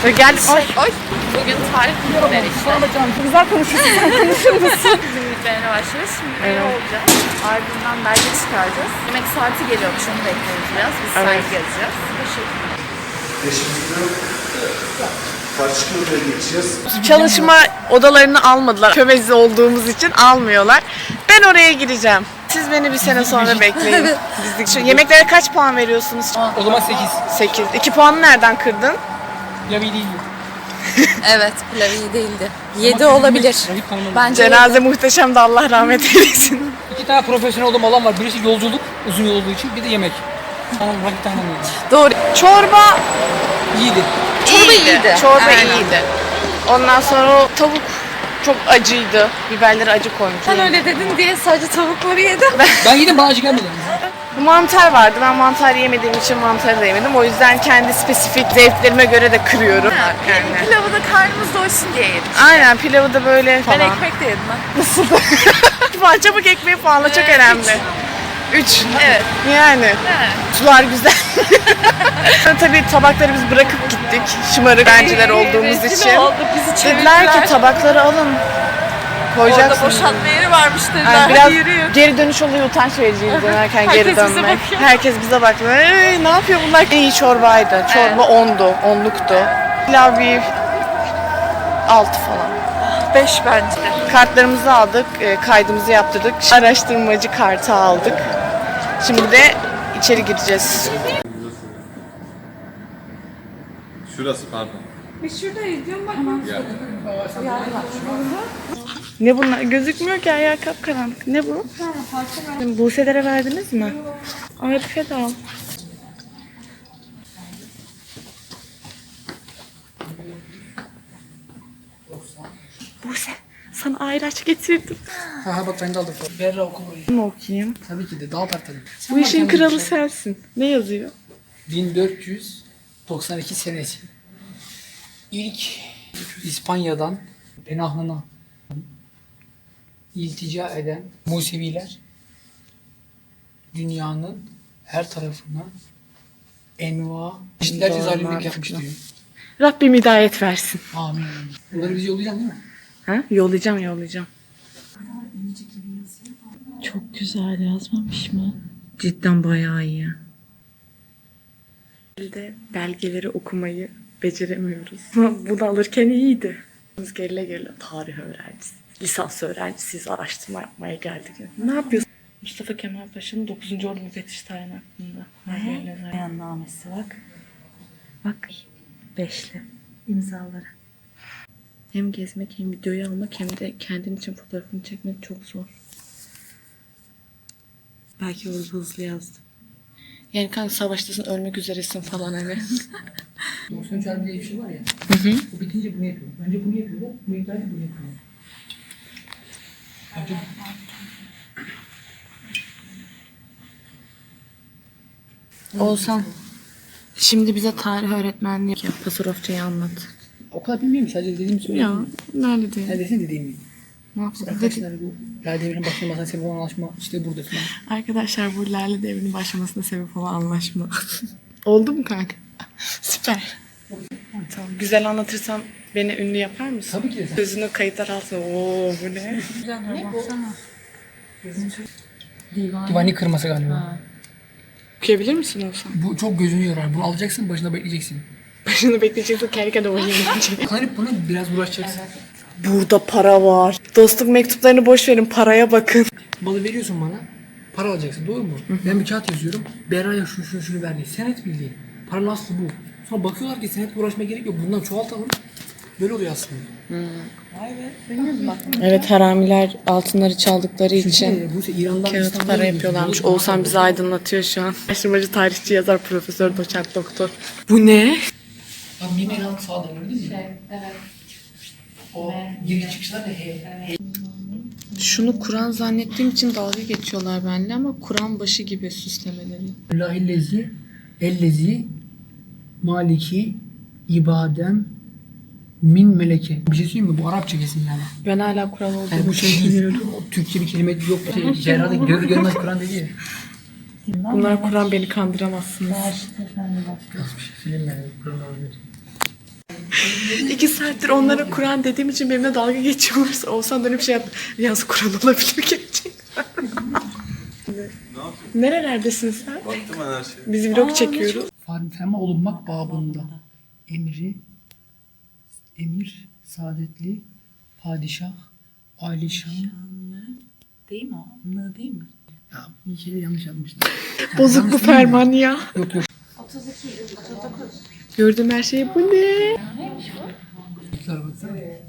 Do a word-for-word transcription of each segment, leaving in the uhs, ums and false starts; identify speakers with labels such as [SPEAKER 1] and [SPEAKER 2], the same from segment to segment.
[SPEAKER 1] Ve geldik.
[SPEAKER 2] Şey, oy. Bugün tarih günleri işte.
[SPEAKER 1] Güzel konuşuyorsun. Sen konuşur musun?
[SPEAKER 2] Günlüklerine başlıyoruz. Şimdi evet. olacağız. Ardından belge çıkaracağız. Yemek saati geliyormuş, onu bekliyoruz biraz. Biz evet. sergi gezeceğiz.
[SPEAKER 3] Eşimizde karşı odaya geçeceğiz.
[SPEAKER 1] Çalışma odalarını almadılar. Kömezi olduğumuz için almıyorlar. Ben oraya gireceğim. Siz beni bir sene sonra bekleyin. Bizlik. Şu yemeklere kaç puan veriyorsunuz?
[SPEAKER 4] O zaman sekiz.
[SPEAKER 1] sekiz. iki puanı nereden kırdın?
[SPEAKER 4] Ya iyi değil.
[SPEAKER 2] Evet, pilav iyi değildi. yedi olabilir. Bence
[SPEAKER 1] Cenaze muhteşem de Allah rahmet eylesin.
[SPEAKER 4] İki tane profesyonel olduğum alan var. Birisi yolculuk, uzun yol olduğu için. Bir de yemek. Tamam, rakip tanımıyorum.
[SPEAKER 1] Doğru. Çorba
[SPEAKER 4] İyiydi.
[SPEAKER 2] Çorba iyiydi.
[SPEAKER 1] Çorba
[SPEAKER 2] Aynen.
[SPEAKER 1] iyiydi. Ondan sonra o tavuk çok acıydı. Biberleri acı koymuş.
[SPEAKER 2] Sen öyle dedin diye sadece tavukları yedim.
[SPEAKER 4] Ben yedim, bana acı gelmedi.
[SPEAKER 1] Mantar vardı. Ben mantar yemediğim için mantarı da yemedim. O yüzden kendi spesifik zevklerime göre de kırıyorum.
[SPEAKER 2] Ha,
[SPEAKER 1] Yani.
[SPEAKER 2] Pilavı da karnımız doysun diye yedim.
[SPEAKER 1] Aynen, pilavı da böyle falan.
[SPEAKER 2] Ben ekmek de yedim ben.
[SPEAKER 1] Nasıl? Falan çabuk ekmeği pahalı, çok
[SPEAKER 2] Ee,
[SPEAKER 1] önemli. Üç.
[SPEAKER 2] Evet.
[SPEAKER 1] Yani.
[SPEAKER 2] He.
[SPEAKER 1] Sular güzel. Tabii tabakları biz bırakıp gittik. Şımarık öğrenciler olduğumuz
[SPEAKER 2] Rezil
[SPEAKER 1] için.
[SPEAKER 2] olduk, bizi
[SPEAKER 1] Dediler
[SPEAKER 2] çevirdiler.
[SPEAKER 1] ki tabakları alın.
[SPEAKER 2] Orada
[SPEAKER 1] Koyacaksınız.
[SPEAKER 2] boşaltma yeri varmış dediler.
[SPEAKER 1] Yani
[SPEAKER 2] Hadi
[SPEAKER 1] biraz
[SPEAKER 2] yürüyün.
[SPEAKER 1] geri dönüş oluyor, utanç vericiydi dönerken
[SPEAKER 2] Herkes
[SPEAKER 1] geri
[SPEAKER 2] bize
[SPEAKER 1] dönmek.
[SPEAKER 2] bakıyor.
[SPEAKER 1] Herkes bize bakıyor. Ee, ne yapıyor bunlar? İyi çorbaydı. Çorba ondu, onluktu. Pilav bir altı falan.
[SPEAKER 2] Beş bence.
[SPEAKER 1] Kartlarımızı aldık, e, kaydımızı yaptırdık. Araştırmacı kartı aldık. Şimdi de içeri gireceğiz.
[SPEAKER 5] Şurası pardon.
[SPEAKER 1] Ne bunlar? Gözükmüyor ki, ayağı kapkaranlık. Ne bu? Buse'lere verdiniz mi? Arife de al. Buse, sana ayraç getirdim.
[SPEAKER 4] Ha ha bak ben de aldım. Berra oku burayı.
[SPEAKER 1] Bunu okuyayım.
[SPEAKER 4] Tabii ki de daha tartalım.
[SPEAKER 1] Bu işin kralı sensin. Ne yazıyor?
[SPEAKER 4] bin dört yüz doksan iki senesi. İlk İspanya'dan Penahlı'na iltica eden Museviler dünyanın her tarafına enva çeşitlerce zalimlik yapmış diyor.
[SPEAKER 1] Rabbim hidayet versin.
[SPEAKER 4] Amin. Bunları bize yollayacaksın değil mi?
[SPEAKER 1] Ha? Yollayacağım, yollayacağım.
[SPEAKER 6] Çok güzel yazmamış mı?
[SPEAKER 1] Cidden bayağı iyi. De belgeleri okumayı beceremiyoruz. Bunu alırken iyiydi. Biz gerile gerile tarih öğrencisi, lisans öğrencisiyiz, araştırma yapmaya geldik. Ne yapıyorsun? Mustafa Kemal Paşa'nın dokuzuncu Ordu Müfettiş Tayini hakkında.
[SPEAKER 6] Beyannamesi bak. Bak. Beşli. İmzaları.
[SPEAKER 1] Hem gezmek hem videoyu almak hem de kendin için fotoğrafını çekmek çok zor. Belki orada hızlı yazdım. Yani kanka savaştasın, ölmek üzeresin falan hani.
[SPEAKER 4] doksan üç harbi diye bir şey var ya. Hı hı. Bu bitince bunu yapıyor. Önce bunu yapıyorlar. Bu iptal edip bunu yapıyorlar. Önce
[SPEAKER 1] Oğuzhan, şimdi bize tarih öğretmenliği yap. Pasarofçayı anlat.
[SPEAKER 4] o kadar bilmiyorum. Sadece dediğimi söylüyorum.
[SPEAKER 1] Ya, nerede diyor?
[SPEAKER 4] Neredesin dediğimi.
[SPEAKER 1] Ne yapsın?
[SPEAKER 4] Arkadaşlar bu Lale Devri'nin başlamasına sebep olan anlaşma işte burada falan.
[SPEAKER 1] Arkadaşlar bu Lale Devri'nin başlamasına sebep olan anlaşma. Oldu mu kanka? Süper. Tamam. Güzel anlatırsam beni ünlü yapar mısın?
[SPEAKER 4] Tabii ki de sen.
[SPEAKER 1] Gözünü kayıtlar altına. Oo bu ne?
[SPEAKER 4] Divanı kırması galiba.
[SPEAKER 1] Okuyabilir misin Oğuzhan?
[SPEAKER 4] Bu çok gözünü yorar. Bunu alacaksın, başında bekleyeceksin.
[SPEAKER 1] Başını bekleyeceksin, kendi kendine oynayacak.
[SPEAKER 4] Kanıp buna biraz uğraşacaksın.
[SPEAKER 1] Burada para var. Dostluk mektuplarını boş verin, paraya bakın.
[SPEAKER 4] Malı veriyorsun bana, para alacaksın, doğru mu? Ben bir kağıt yazıyorum, Berra'ya şunu şunu şunu verdi. Senet bildiğin. Paranın aslı bu. Sonra bakıyorlar ki senetle uğraşmaya gerek yok. Bundan çoğaltalım. Böyle oluyor aslında.
[SPEAKER 1] Evet, haramiler altınları çaldıkları için
[SPEAKER 4] Çünkü bu İran'dan
[SPEAKER 1] kağıt
[SPEAKER 4] İstanbul'a
[SPEAKER 1] para
[SPEAKER 4] gidiyor.
[SPEAKER 1] yapıyorlarmış.
[SPEAKER 4] Doğru mu?
[SPEAKER 1] Oğuzhan bizi aydınlatıyor şu an. Araştırmacı, tarihçi, yazar, profesör, doçent, doktor. Bu ne?
[SPEAKER 4] Abi yemeğin altı sağda öyle değil mi? Şey, evet. O giriş çıkışlar da he.
[SPEAKER 1] Şunu Kur'an zannettiğim için dalga geçiyorlar benimle ama Kur'an başı gibi süslemeleri.
[SPEAKER 4] Lahillezi, ellezi, maliki, ibadem, min meleke. Bir şey söyleyeyim mi? Bu Arapça kesin yani.
[SPEAKER 1] Ben hala Kur'an olduğunu
[SPEAKER 4] Yani bu şey değil. Türkçe bir kelime yok. Şey, Cerrah'da görür görmez Kur'an dedi ya.
[SPEAKER 1] Bunlar Kur'an, beni kandıramazsınız.
[SPEAKER 4] Nasıl bir şey söyleyeyim yani? Kur'an olabilir.
[SPEAKER 1] İki saattir onlara Kur'an dediğim için benimle dalga geçiyorlar. Oğuzhan dönüp şey yaptı. Yalnız Kur'an olabilir gerçekten. Nerelerdesin sen?
[SPEAKER 5] Baktım ben her şeye.
[SPEAKER 1] Biz vlog çekiyoruz.
[SPEAKER 4] Ferma olunmak babında. Emri, emir, saadetli, padişah, alişan.
[SPEAKER 6] Değil mi o? Ne değil mi?
[SPEAKER 4] Ya bir kere yanlış yapmıştım.
[SPEAKER 1] Bozuk bu ferman ya.
[SPEAKER 4] Yok yok.
[SPEAKER 1] Gördüğüm her şey bu ne?
[SPEAKER 4] Güzel baksana.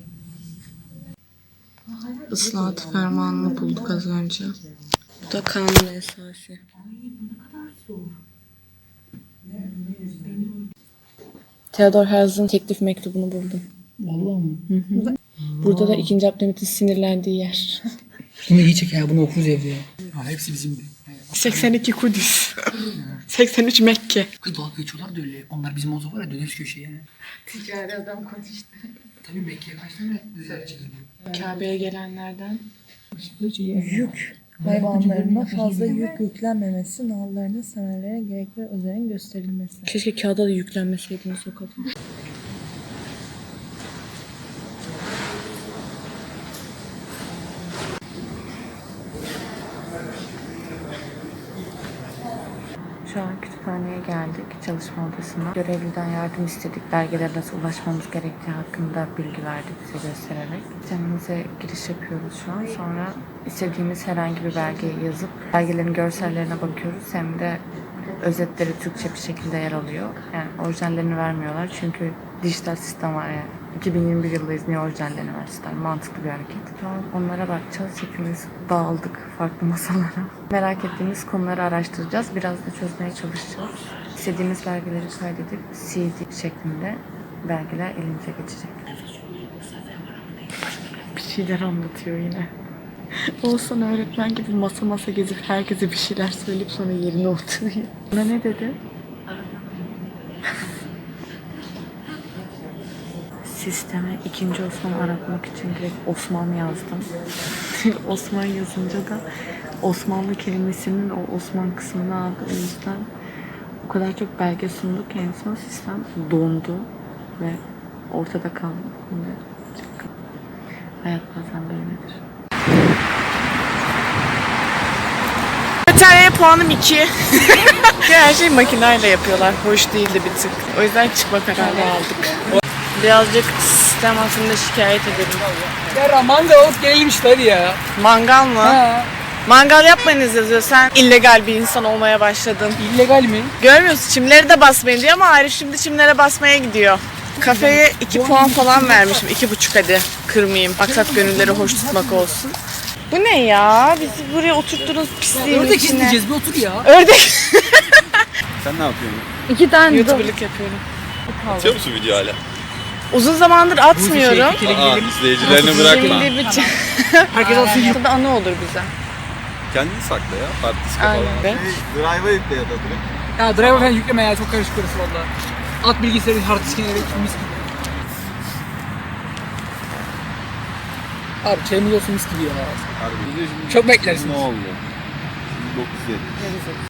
[SPEAKER 1] Islahat fermanını bulduk az önce. Bu da kanun esası. Theodor Herzl'in teklif mektubunu buldum.
[SPEAKER 4] Vallahi mı?
[SPEAKER 1] Burada da ikinci Abdülhamit'in sinirlendiği yer.
[SPEAKER 4] Bunu iyi çek ya. Bunu okuruz evde ya. Ha, hepsi bizimdi.
[SPEAKER 1] seksen iki Kudüs. seksen üç Mekke.
[SPEAKER 4] Kız dalga geçiyorlar da öyle. Onlar bizim olsa var ya döneriz köşeye.
[SPEAKER 2] Ticari adam konuştu.
[SPEAKER 4] Tabii Mekke'ye kaç tane diziler çizildi.
[SPEAKER 1] Kabe'ye gelenlerden.
[SPEAKER 6] Yük hayvanlarına fazla yük yüklenmemesi, nallarına, semerlere gerekli özenin gösterilmesi.
[SPEAKER 1] Keşke kağıda da yüklenmeseydiniz o kadar.
[SPEAKER 6] Şu an kütüphaneye geldik, çalışma odasına. Görevliden yardım istedik. Belgelere nasıl ulaşmamız gerektiği hakkında bilgi verdi bize göstererek. Sistemimize giriş yapıyoruz şu an. Sonra istediğimiz herhangi bir belgeyi yazıp belgelerin görsellerine bakıyoruz. Hem de özetleri Türkçe bir şekilde yer alıyor. Yani orijinallerini vermiyorlar çünkü dijital sistem var yani. iki bin yirmi bir yıldayız, niye orijinallerini versinler? Mantıklı bir hareket. Şu an onlara bakacağız. Hepimiz dağıldık farklı masalara. Merak ettiğimiz konuları araştıracağız. Biraz da çözmeye çalışacağız. İstediğimiz belgeleri kaydedip C D şeklinde belgeler elimize geçecek.
[SPEAKER 1] Bir şeyler anlatıyor yine. Oğuzhan öğretmen gibi masa masa gezip herkese bir şeyler söyleyip sonra yerine oturuyor. Buna ne dedi?
[SPEAKER 6] Sisteme ikinci Osman aratmak için direkt Osman yazdım.
[SPEAKER 1] Osman yazınca da Osmanlı kelimesinin o Osman kısmını aldı. O yüzden o kadar çok belge sunduk ki en son sistem dondu ve ortada kaldı. Şimdi çok- Hayat bazen böyledir. Bataryaya puanım iki. Her şeyi makineyle yapıyorlar. Hoş değildi bir tık. O yüzden çıkma kararı aldık. Birazcık sistem hakkında şikayet edelim.
[SPEAKER 4] Ya mangal alıp gelelim işte hadi ya.
[SPEAKER 1] Mangal mı?
[SPEAKER 4] Ha.
[SPEAKER 1] Mangal yapmayınız yazıyor. Sen illegal bir insan olmaya başladın.
[SPEAKER 4] İllegal mi?
[SPEAKER 1] Görmüyorsun, çimleri de basmayın diyor ama Arif şimdi çimlere basmaya gidiyor. Kafeye iki puan falan vermişim. iki buçuk hadi kırmayayım. Maksat gönülleri hoş tutmak olsun. Bu ne ya? Bizi buraya oturttunuz pisliğin
[SPEAKER 4] Ördek
[SPEAKER 1] içine.
[SPEAKER 4] izleyeceğiz bir otur ya.
[SPEAKER 1] Ördek.
[SPEAKER 5] Sen ne yapıyorsun?
[SPEAKER 6] İki tane
[SPEAKER 1] YouTuber'lık yapıyorum.
[SPEAKER 5] Atıyor musun video hala?
[SPEAKER 1] Uzun zamandır atmıyorum.
[SPEAKER 5] Aa, izleyicilerini bırakma.
[SPEAKER 1] Şimdi bir
[SPEAKER 4] Herkes alsın gibi.
[SPEAKER 1] Burada anı olur bize.
[SPEAKER 5] Kendini sakla ya. Partiske
[SPEAKER 1] Aynen.
[SPEAKER 5] falan. Drive'a yükle ya da direkt.
[SPEAKER 4] Ya driver falan yükleme ya çok karışık orası valla. At bilgisayarı hard diskine evet mis gibi. Abi çayımız olsun mis gibi ya.
[SPEAKER 5] Harbi.
[SPEAKER 4] Çok beklersiniz.
[SPEAKER 5] Ne oldu? dokuz yedi.